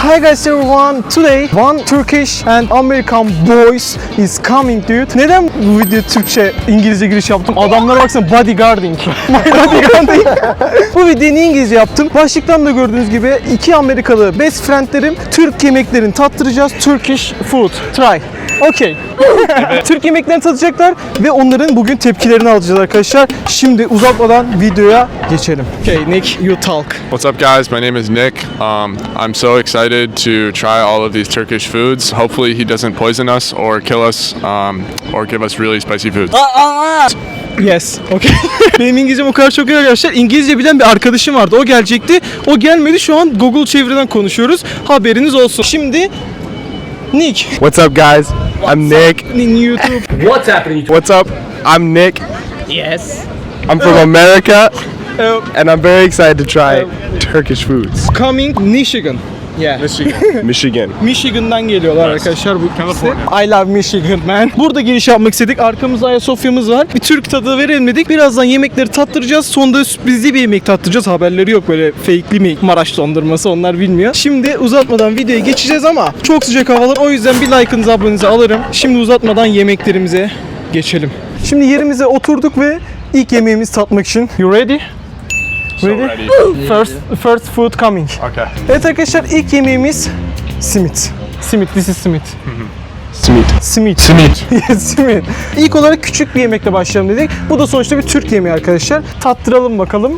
Hi guys everyone. Today one Turkish and American boys is coming dude. Neden bu video Türkçe İngilizce giriş yaptım? Adamlara baksana bodyguarding. My bodyguarding. Bu videoyu niye İngilizce yaptım? Başlıktan da gördüğünüz gibi iki Amerikalı best friendlerim Türk yemeklerini tattıracağız. Turkish food. Try. Okay. Türk yemeklerini tadacaklar ve onların bugün tepkilerini alacağız arkadaşlar. Şimdi uzatmadan videoya geçelim. Okay, Nick, you talk. What's up, guys? My name is Nick. I'm so excited to try all of these Turkish foods. Hopefully, he doesn't poison us or kill us or give us really spicy food. Yes, okay. Benim İngilizcem o kadar çok iyi arkadaşlar. İngilizce bilen bir arkadaşım vardı. O gelecekti. O gelmedi. Şu an Google çeviriden konuşuyoruz. Haberiniz olsun. Şimdi Nick. What's up, guys? I'm Nick. In YouTube. What's happening? What's up? I'm Nick. Yes. I'm from America, and I'm very excited to try Turkish foods. Coming Michigan. Yeah. Michigan. Michigan'dan geliyorlar arkadaşlar bu ikisi. I love Michigan man. Burada giriş yapmak istedik. Arkamızda Ayasofya'mız var. Bir Türk tadı verelim dedik. Birazdan yemekleri tattıracağız. Sonunda sürprizli bir yemek tattıracağız. Haberleri yok böyle fake'li mi Maraş dondurması onlar bilmiyor. Şimdi uzatmadan videoya geçeceğiz ama çok sıcak havalar. O yüzden bir like'ınızı abonenizi alırım. Şimdi uzatmadan yemeklerimize geçelim. Şimdi yerimize oturduk ve ilk yemeğimizi tatmak için. You ready? Ready? First food coming. Okay. Evet arkadaşlar ilk yemeğimiz simit. Simit, this is simit. Simit. Simit. Simit. İlk olarak küçük bir yemekle başlayalım dedik. Bu da sonuçta bir Türk yemeği arkadaşlar. Tattıralım bakalım.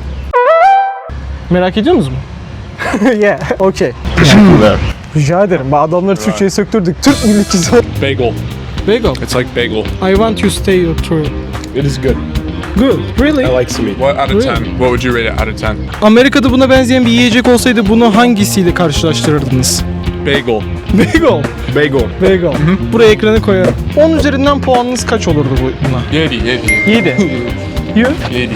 Merak ediyor musunuz mu? Yeah, okay. Teşekkürler. Rica ederim. Adamları Türkçe'ye söktürdük. Türk milletçisi. Bagel. Bagel. It's like bagel. I want you to stay your tour. It is good. Good. Really? I like simit. What out of Really? 10? What would you rate it out of 10? Amerika'da buna benzeyen bir yiyecek olsaydı bunu hangisiyle karşılaştırırdınız? Bagel. Bagel. Bagel. Bagel. Buraya ekrana koyarım. 10 üzerinden puanınız kaç olurdu buna? 7. 7. You? 7.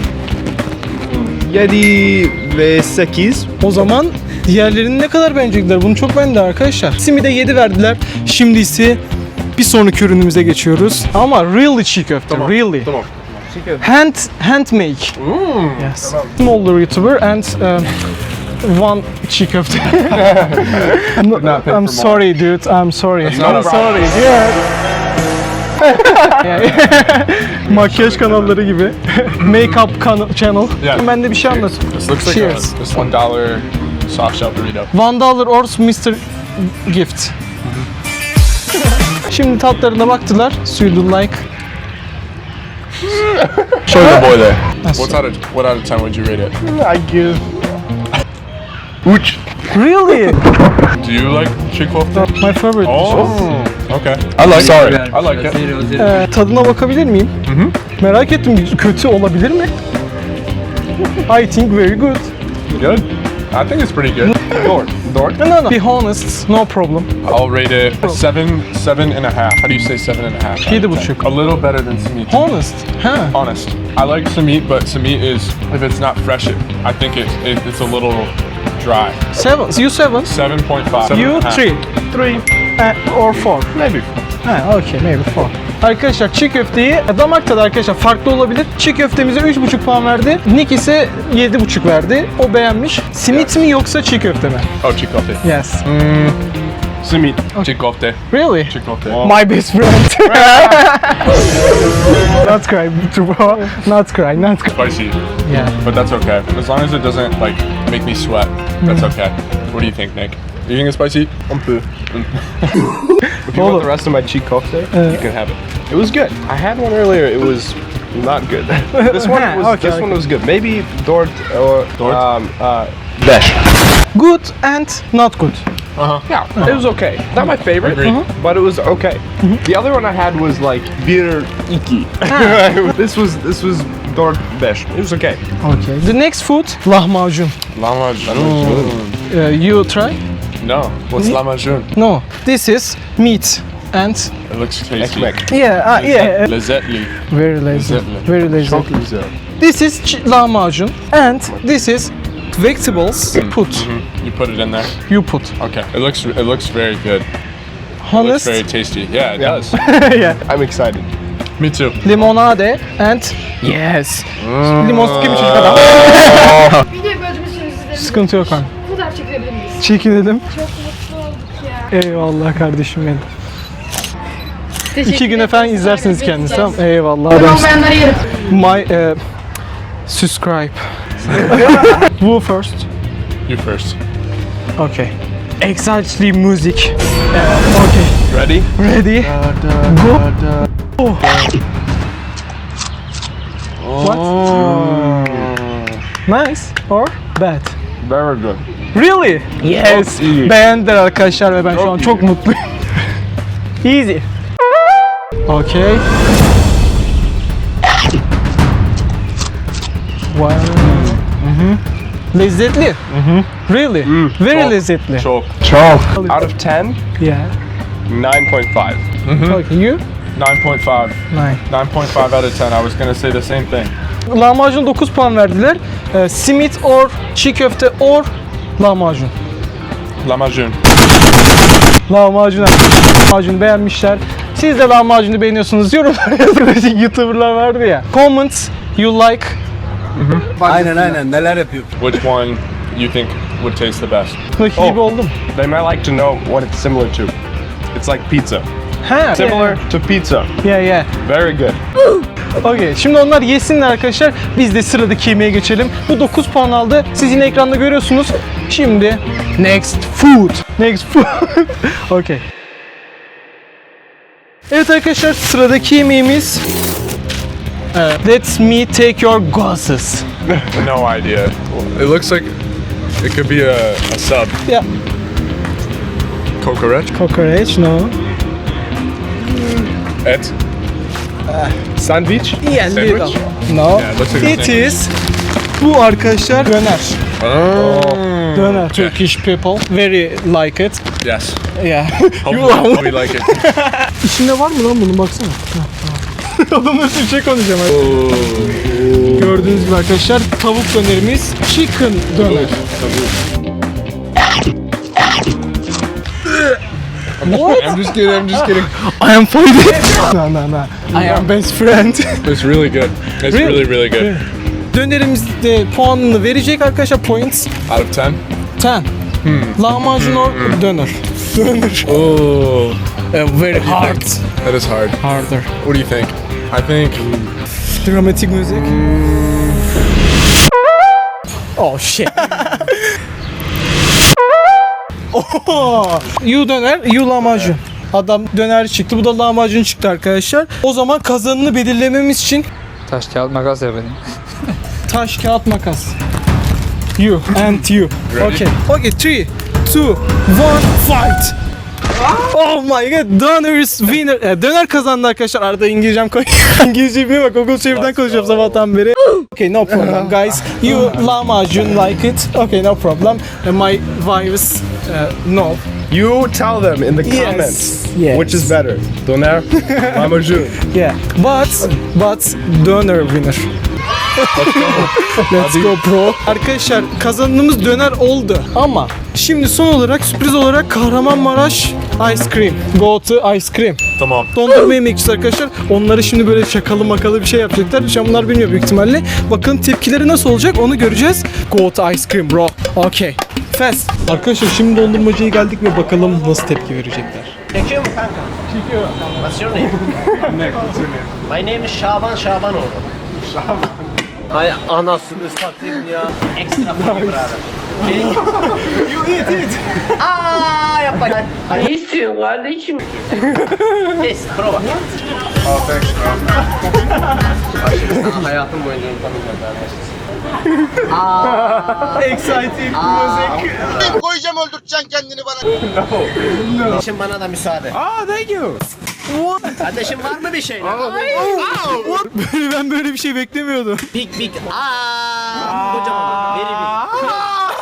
7 ve 8. O zaman diğerlerini ne kadar beğenecekler? Bunu çok beğendi arkadaşlar. Simide 7 verdiler. Şimdi ise bir sonraki ürünümüze geçiyoruz. Ama really çiğ köfte. Really. Tamam. Handmade. Yes. Smaller YouTuber and one çiğ köfte. I'm sorry dude. I'm sorry. not a I'm problem. sorry. Yeah. Makyaj kanalları gibi. Makeup channel. Yeah. Ben de bir şey anlatayım. This looks like Cheers. this $1 soft shell burrito. $1 or Mr. Gift. Şimdi tatlarına baktılar. So you do like. Show the boy there. What out of 10 would you rate it? I give. Uç. Really? Do you like chick-fil-A? My favorite. Oh. Okay. I like. Sorry. I like it. Tadına bakabilir miyim? Merak ettim. Kötü olabilir mi? I think very good. Good. I think it's pretty good. Door. No. Be honest. No problem. I'll rate it 7 and a half. How do you say 7 and a half? 7,5. A little better than Samit. Honest. Ha. Honest. I like Samit, but Samit is, if it's not fresh, I think it's a little dry. 7. You 7. 7.5. You 3. 3 or 4. Maybe. Ha, okay, maybe 4. Arkadaşlar çiğ köfteyi damak tadı arkadaşlar farklı olabilir. Çiğ köftemize 3,5 puan verdi. Nick ise 7,5 verdi. O beğenmiş. Simit mi yoksa çiğ köfte mi? Oh, chick-fil-A. Yes. Simit. Chick-fil-A. Really? Chick-fil-A. My best friend. Not cry, bro. Not cry, not cry. Spicy, Yeah. but that's okay. As long as it doesn't like make me sweat, that's okay. What do you think, Nick? You think it's spicy? Un peu. If you want the rest of my cheek kofte, you can have it. It was good. I had one earlier. It was not good. This one was good. Maybe Dort or Besh. Good and not good. Yeah, it was okay. Not my favorite, Agreed. but it was okay. The other one I had was like bir iki. This was Dort Besh. It was okay. Okay. The next food, lahmacun. Lahmacun. You try? No. What's lahmacun? No. This is meat and It looks tasty. Ekmek. yeah. Lezzetli. Very lazy. Lezzetli. Very lazy. Çok güzel. This is lahmacun and this is vegetables. Put. You put it in there. You put. Okay. It looks very good. It looks Honest. very tasty. Yeah, it Yeah. does. Yeah. I'm excited. Me too. Limonade and yes. Limon sıkayım çocuk adam. Videoyu böldüğümüz için özür dilerim. Sıkıntı yok abi. Fotoğraf çekilebilir miyiz? Çekinelim. Çok mutlu. Eyvallah kardeşim benim. Teşekkür 2 gün ederim. efendim izlersiniz Takip kendinizi edeceğiz. tamam. Eyvallah. Abone adamsın. olmayanları yerim. My subscribe. Who first? You first. Okay. Exactly music. Okay. Ready? Ready? Go. Oh. What? Nice or bad? Very good. Really? Yes. Çok iyi. Beğendiler arkadaşlar ve ben şu Çok an iyi. çok mutluyum. Easy. Okay. Wow. Lezzetli. Really? Very Çok. lezzetli. Çok. Out of 10, Yeah. 9.5. Okay, you? 9.5. Nine. 9.5 out of 10. I was gonna say the same thing. Lahmacun 9 puan verdiler. Simit or çiğ köfte or lahmacun. Lahmacun. Lahmacun beğenmişler. Siz de lahmacunu beğeniyorsunuz. Yorumlara yazın. YouTuber'lar vardı ya. Comment you like. Aynen neler yapıyor. Which one you think would taste the best? Nakil gibi oldum. They might like to know what it's similar to. It's like pizza. Ha. Similar to pizza. Yeah. Very good. Okay. Şimdi onlar yesinler arkadaşlar. Biz de sıradaki yemeğe geçelim. Bu 9 puan aldı. Siz yine ekranda görüyorsunuz. Şimdi next food. Okay. Evet arkadaşlar sıradaki yemeğimiz let me take your glasses. No idea. It looks like it could be a sub. Yeah. Cocorette. Cockroach, no. Et. Sandwich? Yeah, Sandwich? little. No. Yeah, it looks like a It sandwich. is. Bu arkadaşlar döner. Döner. Turkish people very like it. Yes. Yeah. Hopefully we like it. İçinde var mı lan bunun baksana. Adamlar bir şey konuşacağım. Gördüğünüz gibi arkadaşlar tavuk dönerimiz chicken döner. What? I'm just kidding. I am fighting. No. I am best friend. It's really good. It's Really? really good. Dönerimizde puanını verecek arkadaşlar points. Out of 10? 10. Lahmacun or döner. Döner. Oh, Very hard. that is hard. Harder. What do you think? I think Dramatik müzik. Oh shit. Oh. You döner, you lahmacun. Adam döner çıktı, bu da lahmacun çıktı arkadaşlar. O zaman kazanını belirlememiz için Taş kağıt makas yapalım. taş kağıt makas. You and you. Ready? Okay, 3, 2, 1, fight. Oh my god, döner is winner. Döner kazandı arkadaşlar. Arada İngilizcem İngilizce bilmiyorum. Google çeviriden konuşuyorum sabahtan beri. Okay, no problem guys. You lahmacun like it. Okay, no problem. My wives no. You tell them in the comments Yes. which is better. Doner, lahmacun. Yeah, but döner winner. Let's go bro. Arkadaşlar kazanımız döner oldu ama şimdi son olarak sürpriz olarak Kahramanmaraş ice cream. Go to ice cream. Tamam. Dondurma yemekçisi arkadaşlar. Onları şimdi böyle şakalı makalı bir şey yapacaklar. Şu an bunlar bilmiyor büyük ihtimalle. Bakın tepkileri nasıl olacak onu göreceğiz. Go to ice cream bro. Okay. Fast. Arkadaşlar şimdi dondurmacıya geldik ve bakalım nasıl tepki verecekler. Çekiyor mu kanka? Çekiyor. What's your name? My name is Şaban Şabanoğlu. Şaban. Hay anasını satayım ya. Ekstra funny brother. You eat it. Aa yapma. Ne istiyorsun kardeşim? Test, prova. Oh, thanks. Hayatım boyunca unutamayacağım Exciting music. Koyacağım öldürteceksin kendini bana. Kardeşim bana da müsaade. Thank you. Kardeşim var mı bir şey? Ben böyle bir şey beklemiyordum. Big. Kocaman. Very big.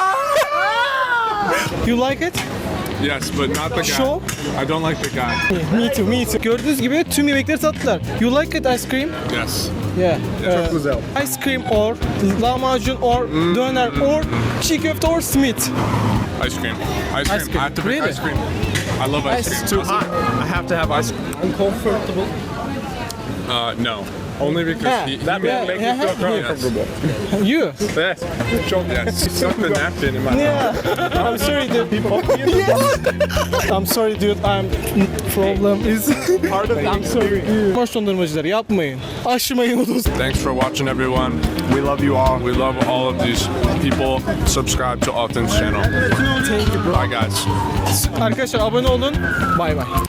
You like it? Yes, but not the guy. Show? I don't like the guy. Me too. Gördüğünüz gibi tüm yemekleri tattılar. You like it ice cream? Yes. Yeah. Çok güzel. Ice cream or lahmacun or döner or çiğ köfte or simit. Ice cream. Ice cream. I have to pick Really? ice cream. I love ice cream. Too hot. I have to have ice. No. Only because he That made makes me feel uncomfortable. You? Yes. yes. He stuck the napkin in my mouth. Yeah. I'm sorry, dude. I'm sorry, dude. Problem is Part of I'm sorry. Boş dondurmacılar yapmayın. Aşmayın o dostu. Thanks for watching, everyone. We love you all. We love all of these people. Subscribe to Alton's channel. Thank you, bro. Bye, guys. Arkadaşlar abone olun. Bay bay.